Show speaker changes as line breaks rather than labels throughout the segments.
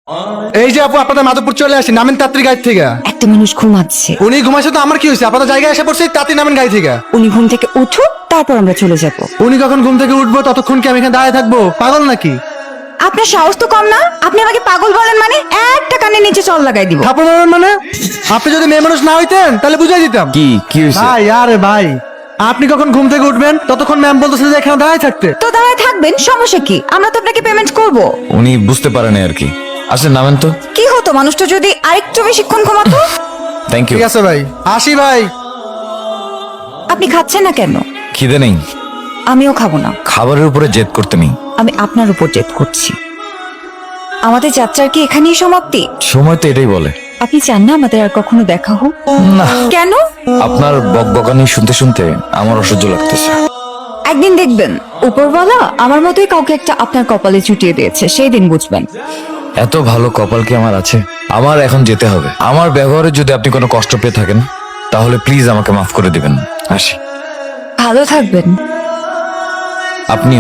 এই যে আপু, আপনাদের মাধবপুর চলে আসি, নামেন তাড়াতাড়ি গাড়ি থেকে।
একটা মানুষ ঘুমাচ্ছে।
উনি ঘুমাইছে তো আমার কি হয়েছে? আপনাদের জায়গায় এসে পড়ছে, তাড়াতাড়ি নামেন গাড়ি থেকে।
উনি ঘুম থেকে উঠুক, তারপর আমরা চলে যাব।
উনি কখন ঘুম থেকে উঠবো ততক্ষণ কি আমি এখানে দাঁড়িয়ে থাকবো? পাগল নাকি?
আপনার সাহস তো কম না? আপনি আমাকে পাগল বলেন মানে একটা কানে নিচে চল লাগাই দিব।
থাপড় মারবেন মানে? আপনি যদি মেয়ে মানুষ না হইতেন তাহলে বুঝাই দিতাম।
কি হয়েছে?
ভাই, আরে ভাই, আপনি কখন ঘুম থেকে উঠবেন ততক্ষণ ম্যাম বলতেছে যে এখানে দাঁড়িয়ে থাকতে।
তো দাঁড়ায় থাকবেন, সমস্যা কি? আমরা তো আপনাকে পেমেন্ট করব।
উনি বুঝতে পারেন আর কি। আসেন নামেন তো।
কি হতো মানুষটা যদি আরেকটু বেশিক্ষণ ঘুমাতো?
Thank you.
ঠিক আছে ভাই, আসি ভাই।
আপনি খাচ্ছেন না কেন?
খিদে নেই।
আমিও খাবো না।
খাবারের উপরে জেদ করতে নেই।
আমি আপনার উপর জেদ করছি। আমাদের যাত্রার কি এখানেই সমাপ্তি?
সময় তো এটাই বলে।
আপনি চান না আমাদের আর কখনো দেখা হোক?
না,
কেন?
আপনার বকবকানি শুনতে শুনতে আমার অসহ্য লাগতেছে।
একদিন দেখবেন উপরওয়ালা আমার মতোই কাউকে একটা আপনার কপালে চুটিয়ে দিয়েছে, সেই দিন বুঝবেন।
এত ভালো কপাল কি আমার আছে? আমার এখন যেতে হবে। আমার ব্যবহারে যদি আপনি কোনো কষ্ট পেয়ে থাকেন তাহলে প্লিজ আমাকে মাফ করে দিবেন। আসি।
ভালো থাকবেন।
আপনিও।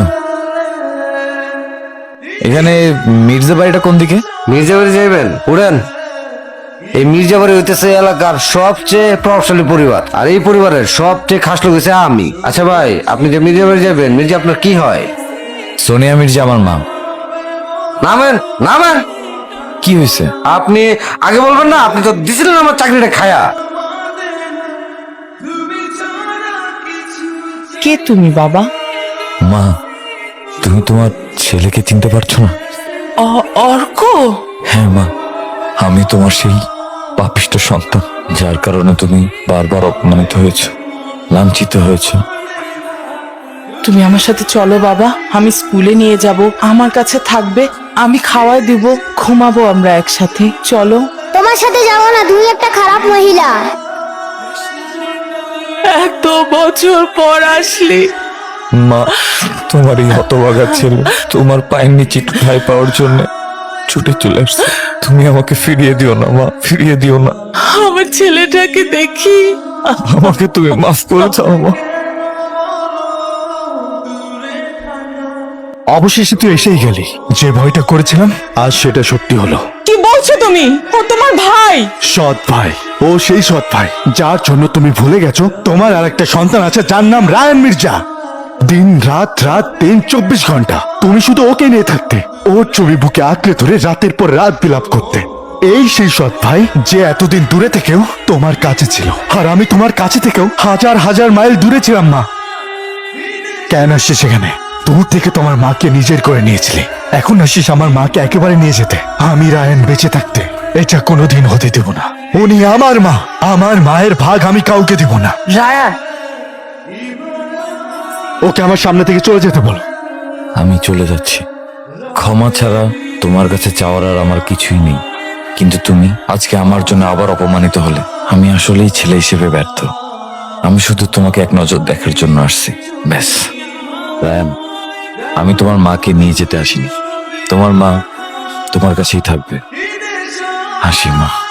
এখানে মির্জা বাড়িটা কোন দিকে?
মির্জাবাড়ি যাইবেন, উড়েন। এই মির্জাবাড়ি হইতেছে এলাকার সবচেয়ে প্রভাবশালী পরিবার, আর এই পরিবারের সবচেয়ে খাস লোক হইছে আমি। আচ্ছা ভাই, আপনি যে মির্জাবাড়ি যাবেন, মির্জা আপনার কি হয়?
সোনিয়া মির্জা আমার মা।
নামেন নামেন।
কি হয়েছে?
আপনি আগে বলবেন না? আপনি তো দিছিলেন আমার চাকরিটা খায়া।
কে তুমি বাবা?
মা, তুমি তোমার ছেলেকে চিনতে পারছো না?
অর্ক?
হ্যাঁ মা, আমি তোমার সেই পাপিষ্ঠ সন্তান যার কারণে তুমি বারবার অপমানিত হয়েছ, লাঞ্ছিত হয়েছ।
তুমি আমার সাথে চলো বাবা, আমি স্কুলে নিয়ে যাব, আমার কাছে থাকবে, আমি খাওয়াই দিব, ঘুমাবো আমরা একসাথে। চলো।
তোমার সাথে যাবো না, তুমি একটা খারাপ মহিলা।
এত বছর পর আসলি।
মা, তোমার এই হতভাগা ছেলে তোমার পায়ের নিচে একটু ঠাঁই পাওয়ার জন্য ছুটে চলে আসছে। তুমি আমাকে ফিরিয়ে দিও না মা, ফিরিয়ে দিও না।
আমার ছেলেটাকে দেখি।
আমাকে তুমি মাফ করে দাও মা।
অবশেষে তুই এসেই গেলি। যে ভয়টা করেছিলাম আজ সেটা সত্যি হলো।
কি বলছো তুমি? ও তোমার ভাই?
সৎ ভাই, ও সেই সৎ ভাই যার জন্য তুমি ভুলে গেছো তোমার আর একটা সন্তান আছে যার নাম রায়ান মির্জা। দিন রাত রাত 24 ঘন্টা তুমি শুধু ওকে নিয়ে থাকতে, ওর ছবি বুকে আঁকড়ে ধরে রাতের পর রাত বিলাপ করতে। এই সেই সৎ ভাই যে এতদিন দূরে থেকেও তোমার কাছে ছিল, আর আমি তোমার কাছে থেকেও হাজার হাজার মাইল দূরে ছিলাম। মা, কেন আসছিস সেখানে? দূর থেকে তোমার মাকে নিজের করে নিয়েছিলে, এখন আসিস আমার মাকে একেবারে নিয়ে যেতে। আমি রায়ান বেঁচে থাকতে এটা কোনোদিন হতে দেব না। উনি আমার মা, আমার মায়ের ভাগ আমি কাউকে দেব না।
রায়া,
ওকে আমার সামনে থেকে চলে যেতে বলো।
আমি চলে যাচ্ছি। ক্ষমা ছাড়া তোমার কাছে চাওয়ার আর আমার কিছুই নেই। কিন্তু তুমি আজকে আমার জন্য আবার অপমানিত হলে আমি আসলেই ছেলে হিসেবে ব্যর্থ। আমি শুধু তোমাকে এক নজর দেখার জন্য আসছি, ব্যাস। রায়ান, আমি তোমার মাকে নিয়ে যেতে আসিনি। তোমার মা তোমার কাছেই থাকবে। হাসি মা।